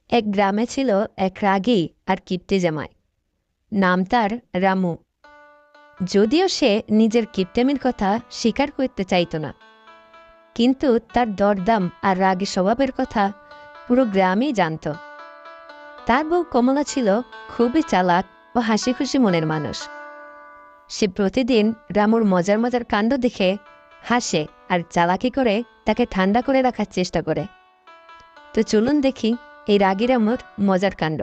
এক গ্রামে ছিল এক রাগী আর কিপ্টে জামাই। নাম তার রামু। যদিও সে নিজের কিপ্টেমির কথা স্বীকার করতে চাইত না, কিন্তু তার দরদাম আর রাগী স্বভাবের কথা পুরো গ্রামই জানত। তার বউ কমলা ছিল খুবই চালাক ও হাসি খুশি মনের মানুষ। সে প্রতিদিন রামুর মজার মজার কাণ্ড দেখে হাসে আর চালাকি করে তাকে ঠান্ডা করে রাখার চেষ্টা করে। তো চলুন দেখি এই রাগী রামুর মজার কাণ্ড।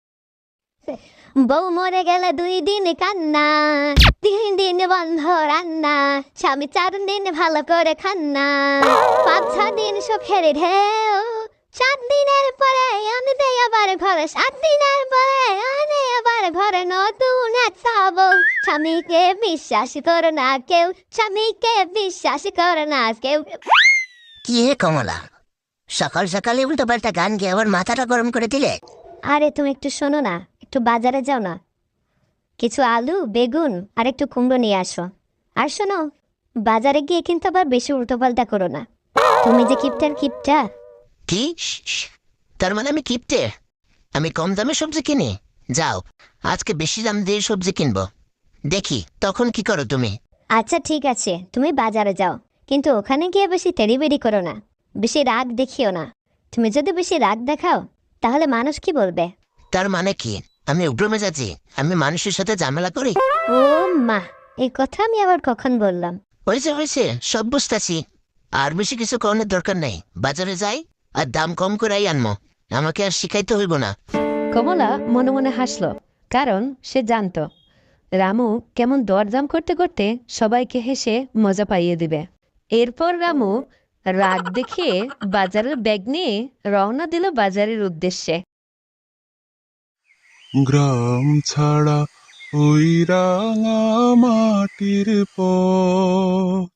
বউ মরে গেলে 2 দিন কান্না, 3 দিন বন্ধ রান্না, স্বামী 4 দিন ভালো করে খান্না, 5-6 দিন সুখের ঢেউ, 7 দিনের পরে আমি দেই আবার ঘরে, 7 দিনের পরে আমি আবার ঘরে নতুন এক বউ। স্বামীকে বিশ্বাস করে না কেউ, স্বামীকে বিশ্বাস করে না কেউ। কি হে কমলা, সকাল সকালে উল্টো পাল্টা গান গেয়ে আবার মাথাটা গরম করে দিলে। আরে তুমি একটু শোনো না, একটু বাজারে যাও না, কিছু আলু বেগুন আর একটু কুমড়ো নিয়ে আসো। আর শোনো, বাজারে গিয়ে কিন্তু আবার বেশি উল্টোপাল্টা করো না। তুমি যে কিপটা। কি? তার মানে আমি কিপটে? আমি কম দামে সবজি কিনি? যাও, আজকে বেশি দাম দিয়ে সবজি কিনবো, দেখি তখন কি করো তুমি। আচ্ছা ঠিক আছে, তুমি বাজারে যাও, কিন্তু ওখানে গিয়ে বেশি তেড়িবেড়ি করো না, বেশি রাগ দেখিও না। তুমি যদি বেশি রাগ দেখাও তাহলে মানুষ কি বলবে? তার মানে কি আমি উগ্র মেজাজি, আমি মানুষের সাথে ঝামেলা করি? ও মা, এই কথা আমি আবার কখন বললাম? হয়েছে, সব বুঝতেছি। আর বেশি কিছু করানোর দরকার নেই, বাজারে যাই আর দাম কম করাই আনবো, আমাকে আর শিখাইতে হইব না। কমলা মনে মনে হাসল, কারণ সে জানত রামু কেমন দরদাম করতে করতে সবাইকে হেসে মজা পাইয়ে দিবে। এরপর রামু রাগ দেখিয়ে বাজারের ব্যাগ নিয়ে রওনা দিল বাজারের উদ্দেশ্যে। গ্রাম ছাড়া ওই রাঙা মাটির পথ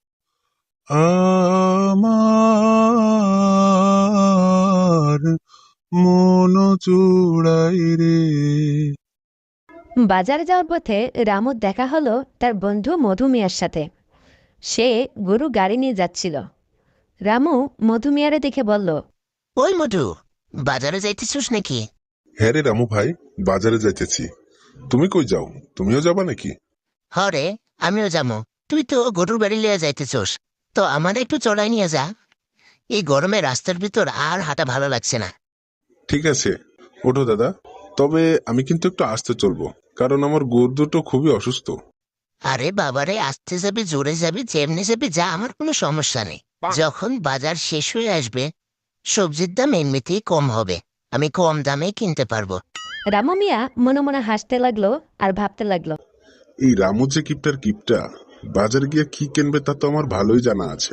আমার মন জোড়াই রে। বাজারে যাওয়ার পথে রামুর দেখা হলো তার বন্ধু মধু মিয়ার সাথে। সে গরু গাড়ি নিয়ে যাচ্ছিল। রামু মধু মিয়ারে দেখে বলল, ওই মধু, বাজারে যাইতেছিস নাকি? হ্যাঁ রে রামু ভাই, বাজারে যাইতেছি। তুমি কই যাও? তুমিও যাবা নাকি? হরে, আমিও যাবো। তুই তো গরুর বাড়ি লিয়ে যাইতেছোস, তো আমার একটু চড়াই নিয়ে যা। এই গরমে রাস্তার ভিতর আর হাঁটা ভালো লাগছে না। ঠিক আছে, ওঠো দাদা। তবে আমি কিন্তু একটু আস্তে চলবো, কারণ আমার গরু দুটো খুবই অসুস্থ। আরে বাবারে, আসতে যাবি জোরে যাবি যেমনি যাবি যা, আমার কোনো সমস্যা নেই। যখন বাজার শেষ হয়ে আসবে সবজির দাম এমনিতেই কম হবে, আমি কম দামে কিনতে পারবো। রামু মিয়া মনে মনে হাসতে লাগলো আর ভাবতে লাগলো, এই রামু যে কিপটা বাজারে গিয়ে কি কিনবে তা তো আমার ভালোই জানা আছে।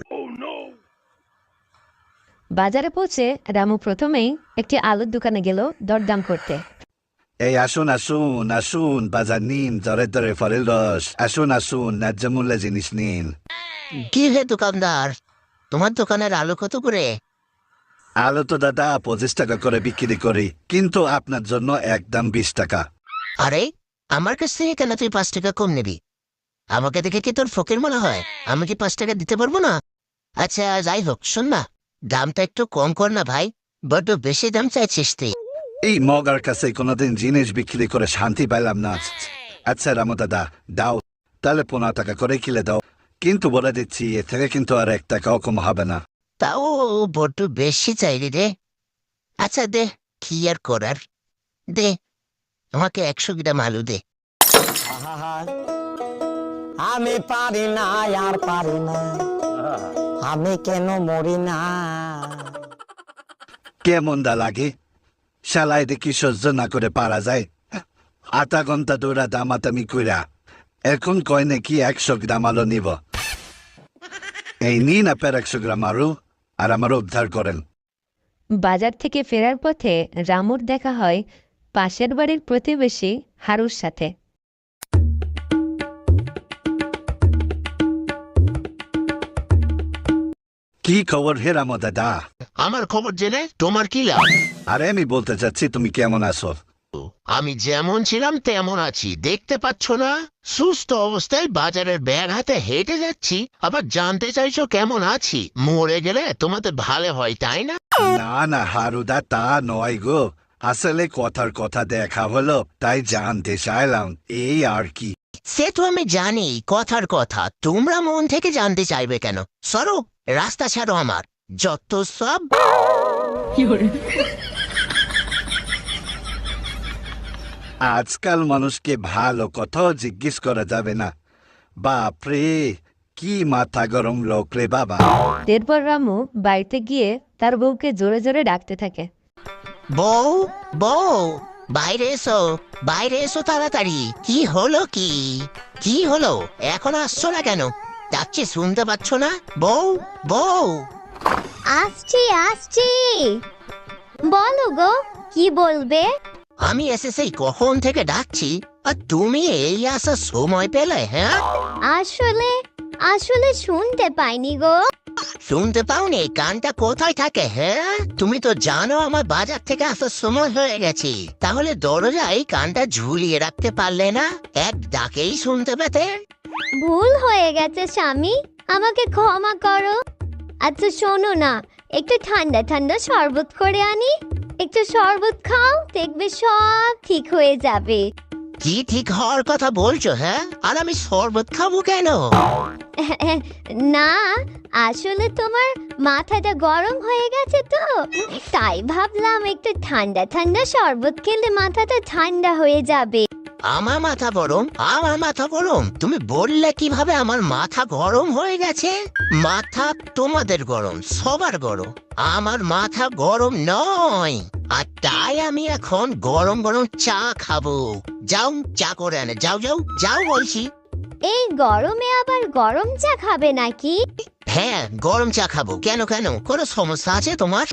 বাজারে পৌঁছে রামু প্রথমেই একটি আলুর দোকানে গেল দরদাম করতে। এই আসুন আসুন আসুন, বাজার নিন, দরে দরে ফলের রস, আসুন আসুন, ন্যায্য মূল্যে জিনিস নিন। কি হে দোকানদার, তোমার দোকানের আলু কত করে? আলু তো দাদা 25 টাকা করে বিক্রি করি, কিন্তু আপনার জন্য একদম 20 টাকা। আরে, আমার কাছ থেকে কেন তুই 5 টাকা কম নিবি? আমাকে দেখে কি তোর ফকির মনে হয়? আমি কি 5 টাকা দিতে পারবো না? আচ্ছা যাই হোক, শোন না, দামটা একটু কম কর না ভাই, বড্ড বেশি দাম চাইছিস তুই। এই মগার কাছে কোনোদিন জিনিস বিক্রি করে শান্তি পাইলাম না। আচ্ছা রামু দাদা, দাও তাহলে 15 টাকা করে কিলে দাও, কিন্তু বলে দিচ্ছি এ থেকে কিন্তু আর 1 টাকাও কম হবে না। তাও বড্ড বেশি চাইলি রে। আচ্ছা দে, কি আর করার, দে আমাকে 100 গ্রাম আলু দে। আমি পারি না আর পারি না, আমি কেন মরি না। কেমন দা লাগে? শালাই দেখি সহ্য না করে পারা যায়? আধা ঘন্টা দৌড়া দামাতামি কইরা এখন কয় নাকি 100 গ্রাম আলু নিব। এই নিন আপনার 100 গ্রাম আলু, আর আমার উদ্ধার করেন। বাজার থেকে ফেরার পথে রামুর দেখা হয় পাশের বাড়ির প্রতিবেশী হারুর সাথে। কি খবর হে রামু দাদা? আমার খবর জেনে তোমার কি লাভ? আরে আমি বলতে চাচ্ছি তুমি কেমন আছো? আমি যেমন ছিলাম তেমন আছি, দেখতে পাচ্ছ না? সুস্থ অবস্থায় বাজারের ব্যাগ হাতে হেঁটে যাচ্ছি, আবার জানতে চাইছো কেমন আছি? মরে গেলে তোমাদের ভালো হয় তাই না? না না হারুদা, তা নয় গো, আসলে কথার কথা দেখা হলো, তাই জানতে চাইলাম, এই আর কি। সে তো আমি জানি কথার কথা, তোমরা মন থেকে জানতে চাইবে কেন? সরো, রাস্তা ছাড়ো আমার, যত সব। আজকাল মানুষকে ভালো কথাও জিজ্ঞেস করা যাবে না। বাপরে, কি মাথা গরম লোক রে বাবা। এরপর রামু বাড়িতে গিয়ে তার বউকে জোরে জোরে ডাকতে থাকে। বউ, বউ, বাইরে এসো, বাইরে এসো তাড়াতাড়ি। কি হলো? কি কি হলো? এখন আসছো না কেন? ডাকছি শুনতে পাচ্ছ না? বউ, বউ। আসছি আসছি, বলো গো, কি বলবে? আমি এসে সেই কখন থেকে ডাকছি, আর তুমি এই আসার সময় পেলে? হ্যাঁ, আসলে আসলে শুনতে পাইনি গো। শুনতে পাওনি? কানটা কোথায় থাকে? হ্যাঁ, তুমি তো জানো আমার বাজার থেকে আসার সময় হয়ে গেছে। তাহলে দরজায় কানটা ঝুলিয়ে রাখতে পারলে না? এক ডাকেই শুনতে পেতে। ভুল হয়ে গেছে স্বামী, আমাকে ক্ষমা করো। আচ্ছা শোনো না, একটু ঠান্ডা ঠান্ডা শরবত করে আনি, একটু শরবত খাও, দেখবে সব ঠিক হয়ে যাবে। কি ঠিক হওয়ার কথা বলছো? হ্যাঁ, আর আমি শরবত খাবো কেন? না, আসলে তোমার মাথাটা গরম হয়ে গেছে তো, তাই ভাবলাম একটু ঠান্ডা ঠান্ডা শরবত খেলে মাথাটা ঠান্ডা হয়ে যাবে। আমার মাথা গরম? আমার মাথা গরম? তুমি বললে কিভাবে আমার মাথা গরম হয়ে গেছে? মাথা তোমাদের গরম, সবার গরম, আমার মাথা গরম নয়। আর তাই আমি এখন গরম গরম চা খাবো। যাও, চা করে আনে, যাও যাও যাও বলছি। এই গরমে আবার গরম চা খাবে নাকি? হ্যাঁ, গরম চা খাবো। কেন কেন, কোনো সমস্যা আছে তোমার?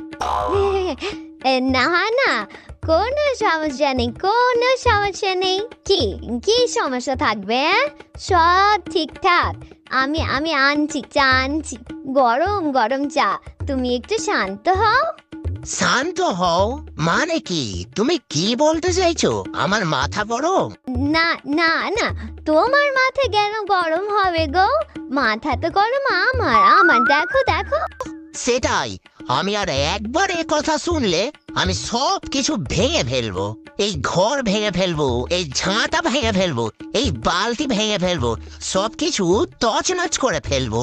না না, কোনো সমস্যা নেই, কোনো সমস্যা নেই। কি কি সমস্যা থাকবে? সব ঠিকঠাক। আমি আমি আনছি চা, আনছি গরম গরম চা। তুমি একটু শান্ত হও। শান্ত হও মানে কি? তুমি কি বলতে চাইছো? আমার মাথা গরম? না না না, তোমার মাথা কেন গরম হবে গো? মাথা তো গরম আমার, আমার দেখো দেখো। সেটাই, আমি আর একবার এ কথা শুনলে আমি সব কিছু ভেঙে ফেলবো। এই ঘর ভেঙে ফেলবো, এই ঝাঁটা ভেঙে ফেলবো, এই বালতি ভেঙে ফেলবো, সবকিছু তছনছ করে ফেলবো।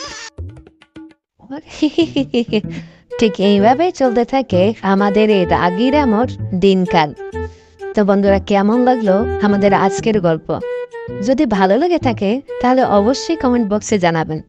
ঠিক এইভাবে চলতে থাকে আমাদের এই রাগী রামুর দিনকাল। তো বন্ধুরা, কেমন লাগলো আমাদের আজকের গল্প? যদি ভালো লেগে থাকে তাহলে অবশ্যই কমেন্ট বক্সে জানাবেন।